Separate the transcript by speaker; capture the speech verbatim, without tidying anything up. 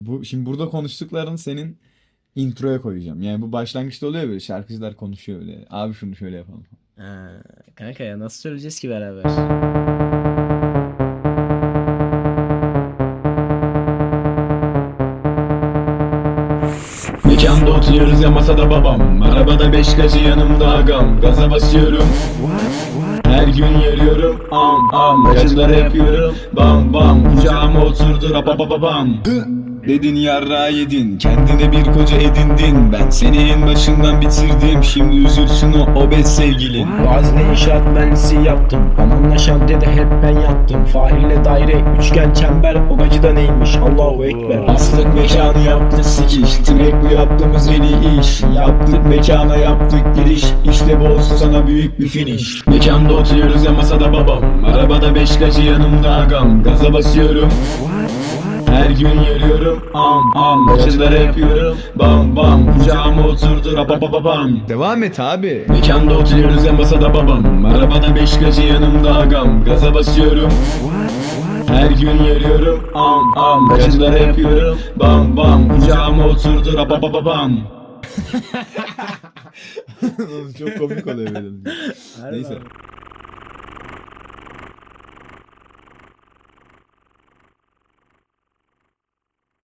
Speaker 1: Bu şimdi burada konuştukların senin introya koyacağım. Yani bu başlangıçta oluyor böyle şarkıcılar konuşuyor öyle. Abi şunu şöyle yapalım.
Speaker 2: Ha, kanka ya nasıl söyleyeceğiz ki beraber?
Speaker 1: Mekanda oturuyoruz ya masada babam. Arabada beş gacı yanımda agam. Gaza basıyorum. Her gün yarıyorum am am. Gacılara yapıyorum bam bam. Kucağıma oturdu rapa pa pa bam. Dedin yarra yedin, kendine bir koca edindin. Ben seni en başından bitirdim, şimdi üzülsün o obez sevgilin.
Speaker 3: Bazı inşaat mühendisi yaptım. Anamla şantiyede hep ben yattım. Fahirle daire, üçgen, çember. O gacı da neymiş, Allahu Ekber.
Speaker 1: Aslık mekanı yaptık sikiş, direkt bu yaptığımız en iyi iş. Yaptık mekana yaptık giriş, işte bu olsun sana büyük bir finish. Mekanda oturuyoruz ya masada babam. Arabada beş gacı yanımda agam. Gaza basıyorum. Her gün yarıyorum am am. Gacılara yapıyorum bam bam. Kucağıma oturdu rapa pa pa bam. Devam et abi. Mekanda oturuyoruz ya masada babam. Arabada beş gacı yanımda agam. Gaza basıyorum. Her gün yarıyorum am am. Gacılara yapıyorum bam bam. Kucağıma oturdu rapa pa pa bam. Çok komik oluyor böyle. Neyse.